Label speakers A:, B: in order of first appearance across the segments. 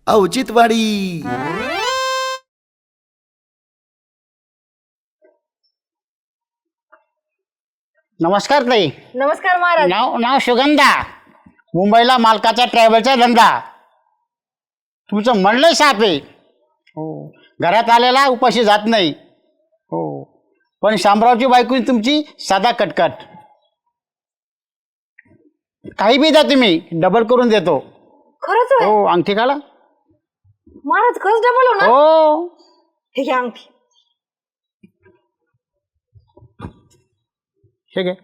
A: औचित्यवाडी.
B: नमस्कार ताई.
C: नमस्कार महाराज.
B: नाव सुगंधा. मुंबईला मालकाचा ट्रॅव्हलचा धंदा. तुमचं म्हणलंय साप आहे. हो, घरात आलेला उपाशी जात नाही. हो, पण शामरावची बायको तुमची साधा कटकट. काही बी द्या तुम्ही, डबल करून देतो.
C: खरंच होय?
B: हो, अंगठी काढा.
C: महाराज खरंच डबल होणार?
B: हो,
C: हे घ्या अंगठी.
B: ठीक आहे.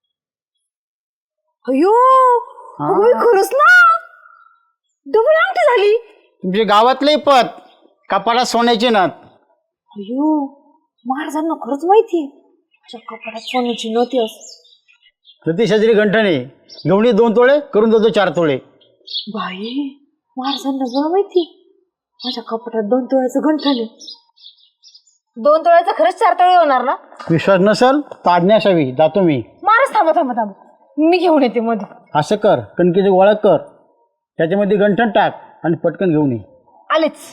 C: अयो
B: हा.
C: होय, खरंच ना, डबल अंगठी झाली.
B: तुमची गावातले पत कपाळात सोन्याची नथ.
C: अयो महाराजांना खरंच माहिती माझ्या कपाटात सोन्याची नव्हती असं.
B: प्रतिशजरी गंठणे गवणी 2 तोळे करून देतो 4 तोळे.
C: बाई महाराजांना बरं माहिती माझ्या कपाटात 2 तोळ्याचं गंठण आहे. 2 तोळ्याचं खरंच 4 तोळे होणार ना?
B: विश्वास नसल तर आज्ञा असावी. जातो मी.
C: महाराज थांबा थांबा थांबा, मी घेऊन येते मध्ये.
B: असं कर, कणकीची गोळा कर, त्याच्यामध्ये गंठण टाक आणि पटकन घेऊन ये.
C: आलेच.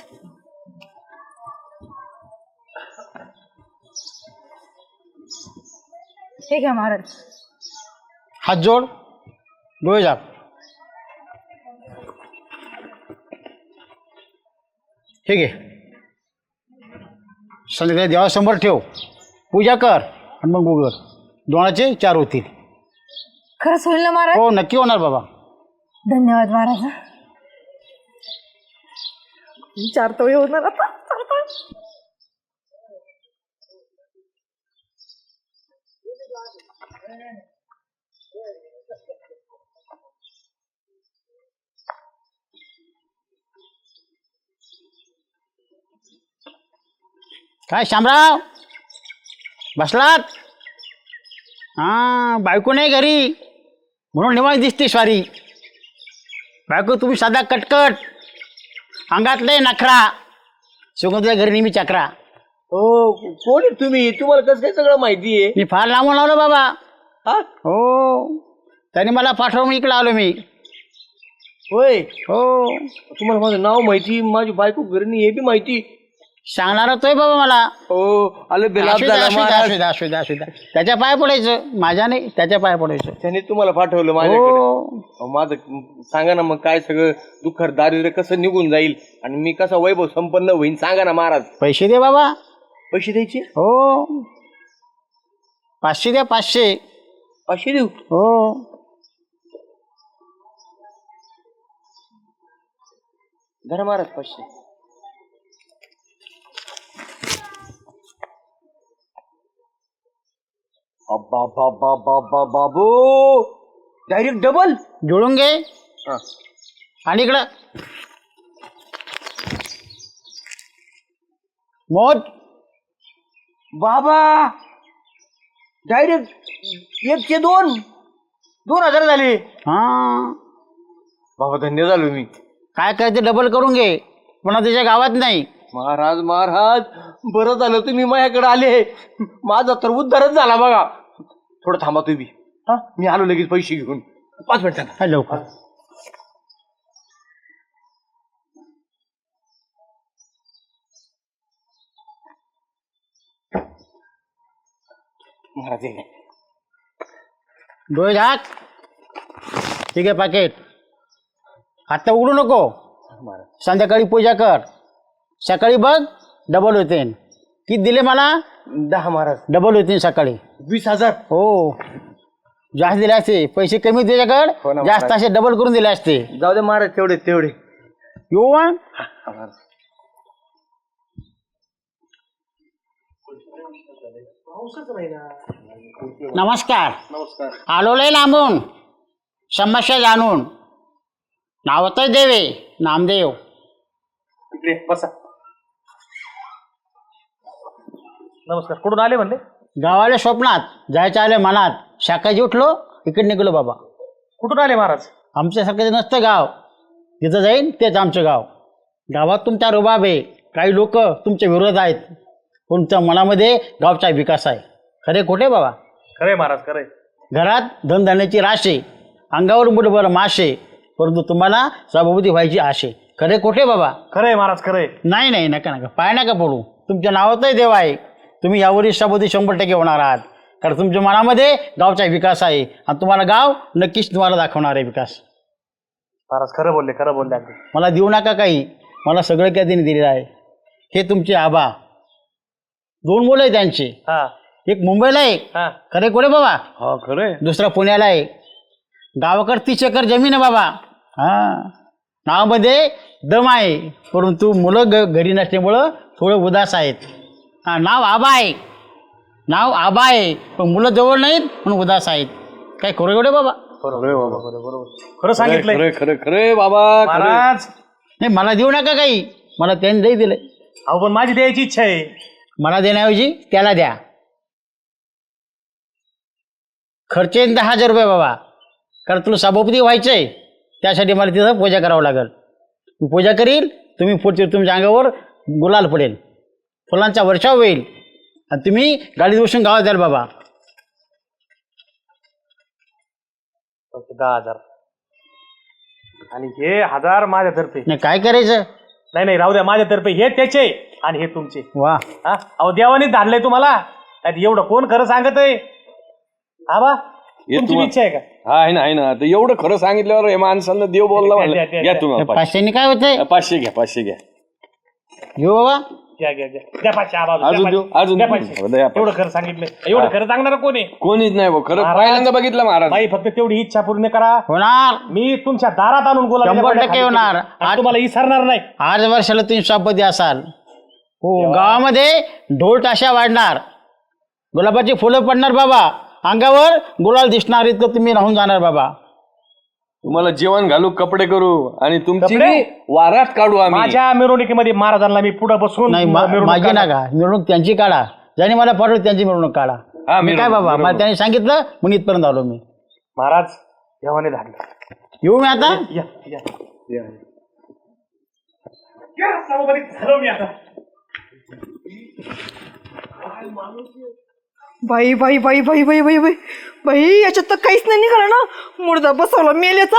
C: हे घ्या महाराज.
B: हात जोड, डोळे झाक. ठीक आहे. संध्याकाळी देवासमोर ठेव, पूजा कर आणि मग उघड. 2चे 4 होतील.
C: खरंच होईल ना महाराज?
B: हो, नक्की होणार बाबा.
C: धन्यवाद महाराज. 4 तोळे होणार आता. 4 तोळे.
B: काय शामराव बसलात? हां, बायको नाही घरी म्हणून निवांत दिसते स्वारी. बायको तुम्ही साधा कटकट, अंगातले नखरा. सुगंधल्या घरी नेहमी चक्रा.
D: हो, कोण आहे तुम्ही? तुम्हाला कसं काय सगळं माहिती आहे?
B: मी फार लांबून आलो बाबा.
D: हा?
B: हो, त्याने मला पाठवून इकडे आलो मी.
D: होय,
B: हो,
D: तुम्हाला माझं नाव माहिती, माझी बायको घरी नाही हे बी माहिती.
B: सांगणार होतोय बाबा मला.
D: हो, आलं बेलाप
B: असू द्या,
D: झाला
B: असू द्या,
D: महाराज.
B: असू द्या, असू द्या, असू द्या. त्याच्या पाय पडायचं, माझ्या नाही, त्याच्या पाय पडायचं.
D: त्याने तुम्हाला पाठवलं माझ्याकडे.
B: हो,
D: अहो, माझं सांगा ना मग, काय सगळं दुःख दारिद्र्य कसं निघून जाईल आणि मी कसा वैभव संपन्न होईन सांगा ना महाराज.
B: पैसे दे बाबा.
D: पैसे द्यायचे?
B: हो, 500 द्या, 500.
D: 500 देऊ?
B: हो,
D: धरा महाराज 500. बाबू डायरेक्ट डबल
B: जोडून घे.
D: हा.
B: आणि इकडं मोठ
D: बाबा डायरेक्ट 1 चे 2 2000 झाले.
B: हा,
D: बाबा धन्य झालो मी.
B: काय करायचं डबल करून घे, पुन्हा त्याच्या गावात नाही.
D: महाराज महाराज बरं झालं तुम्ही माझ्याकडे आले. माझा तर उद्धारच झाला बघा. थोडं थांबा तुम्ही. हा, मी आलो लगेच पैसे घेऊन. 5 मिनिटांना.
B: हा, लवकर.
D: महाराज हे.
B: डोळे झाक. ठीक आहे, पाकिट. आता उघडू नको.
D: महाराज
B: संध्याकाळी पूजा कर, सकाळी बघ डबल होते. किती दिले मला?
D: 10 महाराज.
B: डबल होते सकाळी.
D: 20,000.
B: हो, जास्त दिले असते. पैसे कमी
D: हो
B: तुझ्याकडे,
D: ना,
B: जास्त असे डबल करून दिले असते.
D: जाऊ दे महाराज, तेवढे तेवढे.
B: येऊ मग. नमस्कार.
D: नमस्कार.
B: आलो लय लांबून, समस्या जाणून. नाव तर देवे नामदेव.
D: इकडे बसा. नमस्कार. कुठून आले म्हणले?
B: गावाला स्वप्नात जायचं आलं मनात. सकाळी उठलो, इकडे निघलो बाबा.
D: कुठून आले महाराज?
B: आमच्यासारखं नसतं गाव, जिथं जाईन तेच आमचं गाव. गावात तुमचा रुबाब आहे, काही लोक तुमच्या विरोध आहेत, पण तुमच्या मनामध्ये गावचा विकास आहे. खरे खोटे बाबा?
D: खरे महाराज खरे.
B: घरात धनधान्याची राश आहे, अंगावर मुठभर माश आहे, परंतु तुम्हाला सभापती व्हायची आश आहे. खरे खोटे बाबा?
A: खरंय महाराज खरंय.
B: नाही नाही, नका नका, पाय नका पडू. तुमच्या नावातही देव आहे. तुम्ही यावर इष्टापोती 100% होणार आहात. कारण तुमच्या मनामध्ये गावचा विकास आहे आणि तुम्हाला गाव नक्कीच तुम्हाला दाखवणार आहे विकास.
A: महाराज खरं बोलले अगदी.
B: मला देऊ नका काही, मला सगळं काय त्यांनी दिलेलं आहे. हे तुमचे आबा, 2 मुलं आहे त्यांचे.
A: हा
B: एक मुंबईला आहे.
A: हा
B: खरे कोडे बाबा?
D: हा खरंय.
B: दुसरा पुण्याला आहे. गावाकडे 30 एकर जमीन आहे बाबा. हा, नावामध्ये दम आहे, परंतु मुलं घरी नसल्यामुळं थोडं उदास आहेत. हा, नाव आबा आहे, पण मुलं जवळ नाहीत म्हणून उदास आहेत. काय खरं कोडे बाबा?
A: खरं सांगितलंय
D: खरे बाबा.
A: महाराज.
B: नाही, मला देऊ नका काही, मला त्यांनी नाही दिले.
A: अहो पण माझी द्यायची इच्छा आहे.
B: मला देण्याऐवजी त्याला द्या. खर्च येईल 10,000 रुपये बाबा. कारण तुला सभापती व्हायचंय, त्यासाठी मला तिथं पूजा करावं लागेल. मी पूजा करील, तुम्ही पुढचे तुमच्या अंगावर गुलाल पडेल, फुलांचा वर्षाव होईल आणि तुम्ही गाडीत बसून गावात द्याल बाबा.
A: 10,000 आणि हे 1,000 माझ्यातर्फे.
B: नाही, काय करायचं?
A: नाही राहू द्या, माझ्यातर्फे. हे त्याचे आणि हे तुमचे.
B: वा,
A: हा अहो देवानीच धाडलंय तुम्हाला. एवढं कोण खरं सांगत आहे? आबा तुमची इच्छा आहे का?
D: हा आहे ना. तर एवढं खरं सांगितल्यावर हे माणसांना देव बोलला म्हणलं.
A: द्या.
D: घ्या तुम्ही
B: 500 काय होतंय?
D: 500 घ्या. 500 घ्या.
B: घेऊ बाबा.
A: द्या 500 आबा.
D: अजून देऊ, अजून
A: द्या
D: देऊ.
A: 500.
D: द्या 500.
A: एवढं खरं सांगितलंय. एवढं खरं सांगणार कोण आहे?
D: कोणीच नाही भाऊ. खरं
A: महाराज.
D: पहिल्यांदा बघितलं महाराज.
A: बाई फक्त तेवढी इच्छा पूर्ण करा.
B: होणार,
A: मी तुमच्या दारात आणून गुलाबाच्या
B: 100%
A: पाकळ्या खाली
B: होणार.
A: ठेवीन. आणि तुम्हाला विसरणार नाही.
B: 8 वर्षाला तुम्ही सभापती असाल. हो, गावामध्ये ढोल ताशा वाढणार, गुलाबाची फुलं पडणार बाबा, अंगावर गुलाल दिसणार, इतकं तुम्ही राहून जाणार बाबा.
D: तुम्हाला जेवण घालू, कपडे करू आणि तुमची
A: कपडे?
D: वारात काढू आम्ही.
A: माझ्या मिरवणुकीमध्ये महाराजांना मी पुढे बसून
B: नाही,
A: मिरवणूक
B: माझी
A: काढणार.
B: नका मिरवणूक, त्यांची काढा. ज्याने मला पाठवलं त्यांची मिरवणूक काढा.
D: हा,
B: मी काय
D: मिरवणूक,
B: बाबा, मला
D: मिरवणूक.
B: त्यांनी सांगितलं म्हणून इथपर्यंत आलो मी.
A: महाराज देवाने धाडलं.
B: येऊ मी आता.
A: या सभापती झालो मी आता.
E: बाई बाई बाई बाई बाई बाई बाई बाई, याच्यात तर काहीच नाही निघालं ना. मुर्दा बसवला मेल्याचा.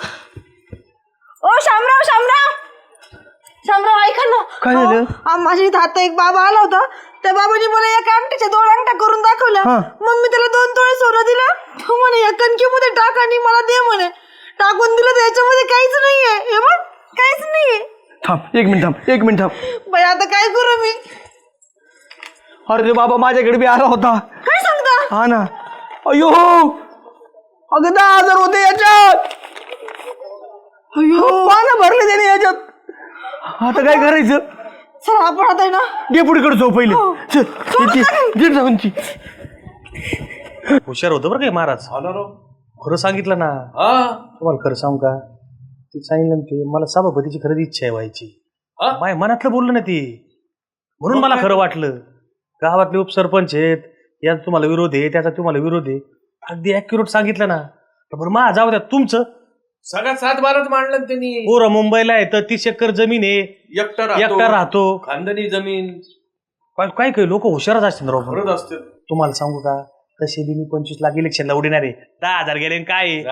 E: ओ शामराव ऐका ना.
F: काय झालं?
E: माझ्या इथं आता एक बाबा आला होता. त्या बाबाने मला एका अंगठीच्या 2 अंगठ्या करून दाखवल्या. मग मी त्याला 2 तोळे सोनं दिलं. तो म्हणे या कणकीमध्ये टाक आणि मला दे म्हणे. टाकून दिलं तर याच्यामध्ये काहीच नाहीये. हे बघ, काहीच नाहीये.
F: थांब, एक मिनिट थांब.
E: बाई आता काय करू मी?
F: अरे बाबा, माझ्याकडे बी आला होता.
E: काय सांगता?
F: हा ना. अयो, अगं 10,000 होते याच्यात. अयो, पानं भरले त्याने याच्यात. आता काय करायचं?
E: चला आपण आता आहे ना
F: डेपुटीकडे जाऊ पहिले. चल, इथे जाऊन ती.
A: हुशार होतं बरं काय महाराज. खरं सांगितलं ना. तुम्हाला खरं सांगू का? ते सांगितलं ना, ते मला सभापतीची खरंच इच्छा आहे व्हायची. माझ्या मनातलं बोललं ना ते, म्हणून मला खरं वाटलं. गावातले उपसरपंच आहेत, याचा तुम्हाला विरोध आहे, त्याचा तुम्हाला विरोध आहे. अगदी ॲक्युरेट सांगितलं ना. बरं मा जाऊ द्या तुमचं.
D: सगळ्यात 7-12 मांडलं त्यांनी.
A: पोरं मुंबईला आहे तर 30 एकर जमीन आहे, एकटा राहतो.
D: खानदानी जमीन.
A: काय काय लोक हुशारच असतील ना राव.
D: खरंच असते.
A: तुम्हाला सांगू का, तसे बी मी 25 लाख इलेक्शनला उडणार आहे. 10,000 गेले आणि काय आहे?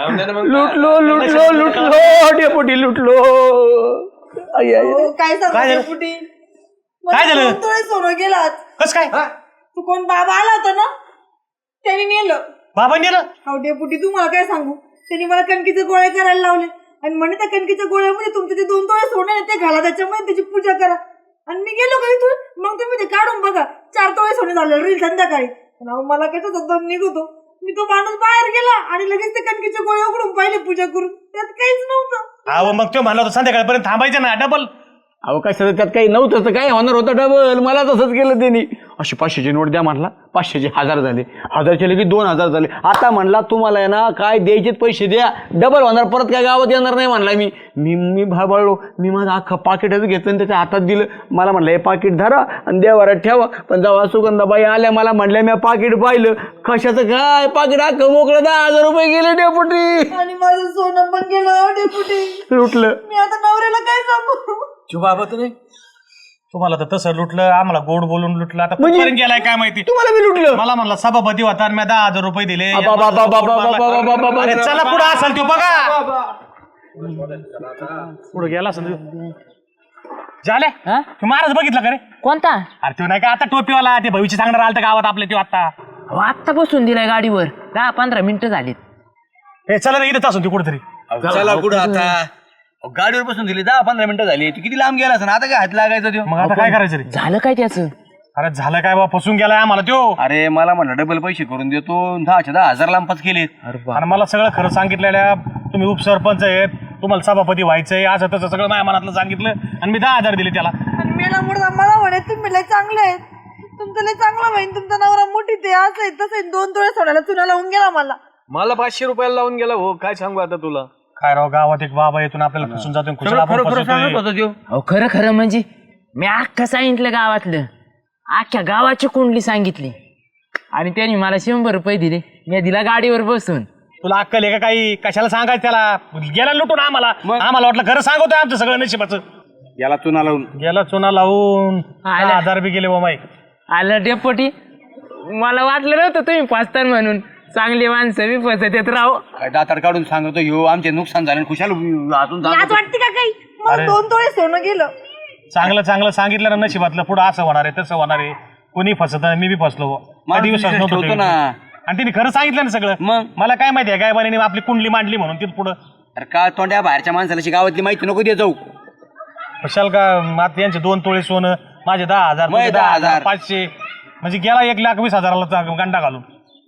F: लुटलो डेपुटी, लुटलो. आई, आई.
E: काय
A: काय
E: सांगू
A: झालं?
E: डेपुटी?
A: काय
E: मला
A: झालं?
E: 2 तोळे सोनं गेलात.
A: कस काय
E: तू कोण बाबा आला होता ना, त्याने नेलं.
A: बाबा नेलं?
E: अहो डेपुटी, तुम्हाला काय सांगू, त्यांनी मला कणकीचे गोळे करायला लावले आणि म्हणे त्या कणकीच्या गोळ्यामध्ये तुमचे ते 2 तोळे सोनं आहे ते घाला, त्याच्यामध्ये त्याची पूजा करा. आणि मी गेलो का इथून, मग तुम्ही ते काढून बघा, 4 तोळे सोने झाले रील संध्याकाळी. पण अहो मला कशाचा दम निघतो. मी तो माणूस बाहेर गेला आणि लगेच ते कणकीचे गोळे उघडून पाहिले पूजा करून, त्यात काहीच नव्हतं.
A: अहो मग तो म्हणला होता संध्याकाळपर्यंत थांबायचं ना, डबल.
F: अहो काय सगळं त्यात काही नव्हतं तर काय होणार होतं डबल. मला तसंच केलं त्यांनी. अशी 500ची नोट द्या म्हणला, 500चे 1000 झाले, 1000चे लगेच 2000 झाले. आता म्हणला तुम्हाला आहे ना काय द्यायचे पैसे द्या, डबल होणार, परत काय गावात येणार नाही म्हणला. मी भाळलो. मी माझं अख्खं पाकिटच घेतलं आणि त्याच्या हातात दिलं. मला म्हणलं हे पाकिट धरा आणि देवारात ठेवा. पण जेव्हा सुगंधाबाई आल्या मला म्हणल्या, मी पाकिट पाहिलं, कशाचं काय पाकिट अख्खं मोकळं, 10,000 रुपये गेले डेपुटी.
E: आणि माझं सोनं पण गेलं डेपुटी.
F: लुटलं.
E: मी आता नवऱ्याला काय सांगू?
A: बाबा तुम्हाला तर तसं लुटलं, आम्हाला गोड बोलून लुटलं. आता कुठपर्यंत गेलाय काय माहिती.
F: तुम्हाला मी लुटलं.
A: मला म्हणला सभापती होता आणि मी 10,000 रुपये दिले.
F: बाबा.
A: अरे चला पुढे असेल तो बघा. पुढे गेला असं झाले
G: हा?
A: तू महाराज बघितलं का रे?
G: कोणता
A: अरे तो नाही का आता टोपीवाला ते भविष्य सांगणार आलं गावात आपल्या तो आता
G: अहो, आत्ता बसून दिलाय गाडीवर 10-15 मिनिटं झालीत.
A: हे चला ना इथंच असून ती कुठेतरी
F: चला कुठं आता अहो, गाडीवर बसून दिली 10-15 मिनिटं झाली तू किती लांब गेला असं आता काय हात लागायचा त्यो
A: मग आता काय करायचं रे?
G: झालं काय त्याचं?
A: अरे झालं काय बा फसून गेलाय आम्हाला त्यो
F: अरे मला म्हणलं डबल पैसे करून देतो 10,000 लांबच केलेत.
A: आणि मला सगळं खरं सांगितलेल्या तुम्ही उपसरपंच आहेत तुम्हाला सभापती व्हायचंय असं तसं सगळं माझ्या मनातलं सांगितलं आणि मी 10,000 दिले त्याला.
E: आणि मेला मुडदा मला म्हणे तुम्ही लय चांगले आहेत, तुमचं लय चांगलं बहीण, तुमचा नवरा मोठी ते असं आहे तसं आहे. 2 तोळे सोन्याला चुना लावून गेला मला.
D: मला 500 रुपयाला लावून गेला हो, काय सांगू आता तुला.
A: काय राव गावात एक बाबा येतून आपल्याला फसून जातो आणि खुशाल आपण
F: खरं खरं
A: फसवतोय.
F: सांगत होता त्यो.
G: अहो खरं खरं म्हणजे मी अख्खं सांगितलं गावातलं, अख्ख्या गावाची कुंडली सांगितली आणि त्यांनी मला 100 रुपये दिले. मी दिला गाडीवर बसून.
A: तुला अक्कल आहे का काही? कशाला सांगायचं त्याला? गेला लुटून आम्हाला वाटलं खरं सांगतोय आमचं सगळं नशिबाचं.
F: याला चुना लावून
A: गेला चुना लावून
G: आला.
A: 10,000 बी गेले माई.
G: आलं डेपोटी, मला वाटलं नव्हतं तुम्ही फसतान म्हणून. चांगली माणसं मी फसत येत राहो.
F: काय दातार काढून सांगतो ह्यो आमचे नुकसान झाले आणि खुशाल अजून
E: लाज वाटते का काही? मला 2 तोळे सोनं गेलं.
A: चांगलं चांगलं सांगितलं ना नशिबातलं पुढं असं होणार आहे तसं होणार आहे. कोणी फसत मी बी फसलो.
F: मला
A: कधी विश्वास
F: विश्वास
A: नव्हता
F: ठेवतो ना.
A: त्याच्यावर. आणि तिने खरं सांगितलं ना सगळं.
F: मग?
A: मला काय माहिती आहे काय बाने आपली कुंडली मांडली म्हणून तिथं पुढं
F: अरे का तोंड्या बाहेरच्या माणसाला अशी गावातली माहिती नको दे जाऊ.
A: कशाल का आता यांचे 2 तोळे सोनं माझे 10,000
F: मग 10,000.
A: 500 म्हणजे गेला 1,20,000 गंडा घालून.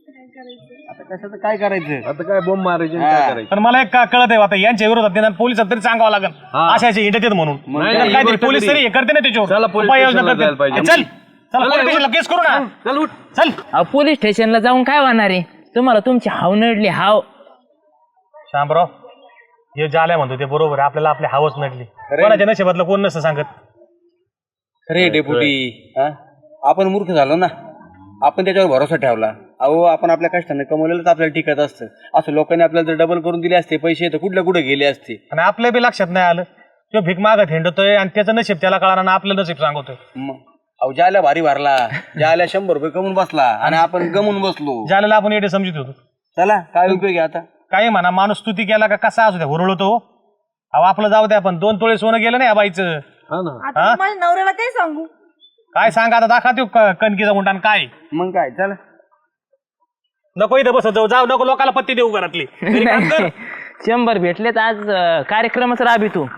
F: कशाचं काय करायचं
D: आता काय बोंब मारायचे आणि काय करायचं.
A: पण मला एक कळत आहे आता यांच्या विरोधात निदान पोलिसात तरी सांगावं लागेल अशाचे हिंडत येत म्हणून.
F: नाही,
A: तर
D: नाही,
A: काय
D: ही
A: तरी
D: गोष्ट
A: पोलीस
D: तरी-
A: तरी हे करते ना त्याच्यावर
D: चला, पोलीस
A: उपाययोजना
D: स्टेशनला
A: करते.
D: जायला पाहिजे.
A: चल चल पोलीस स्टेशनला केस करू ना.
D: चल उठ.
A: चल
G: अहो पोलीस स्टेशनला जाऊन काय होणार आहे? तुम्हाला तुमची हाव नडली हाव.
A: शामराव हे झाल्या म्हणतो ते बरोबर आहे. आपल्याला आपली हावच नडली. कोणाच्या नशिबातलं कोण नसतं सांगत.
F: खरे डेपुटी आपण मूर्ख झालो ना. आपण त्याच्यावर भरोसा ठेवला. अहो आपण आपल्या कष्टाने कमवलेलंच आपल्याला टिकत असतं. असं लोकांनी आपल्याला जर डबल करून दिले असते पैसे तर कुठल्या कुठे गेले असते.
A: आणि आपल्या बी लक्षात नाही आलं तो भीक मागत हिंडतोय आणि त्याचं नशीब त्याला कळणार ना आपलं नशीब सांगतोय.
F: मग अहो ज्याला भारी भरला ज्याला 100 रुपये कमवून बसला आणि आपण गमून बसलो.
A: ज्याला आपण येडे समजत होतो.
F: चला काय उपयोग आहे आता.
A: काही म्हणा माणूस स्तुती केला का कसा असू द्या हुरळतो. अहो आपलं जाऊ द्या पण 2 तोळे सोनं गेलं नाही या बाईचं.
D: हा ना.
E: आता माझ्या नवऱ्याला काय सांगू?
A: काय सांगा आता दाखवा तो कणकीचा गुंडान काय.
F: मग काय चला.
A: नको इथं बसत जाऊ जाऊ नको लोकांना पत्ती देऊ घरातली. घरी काम कर.
G: 100 भेटलेत आज कार्यक्रमच राबितो.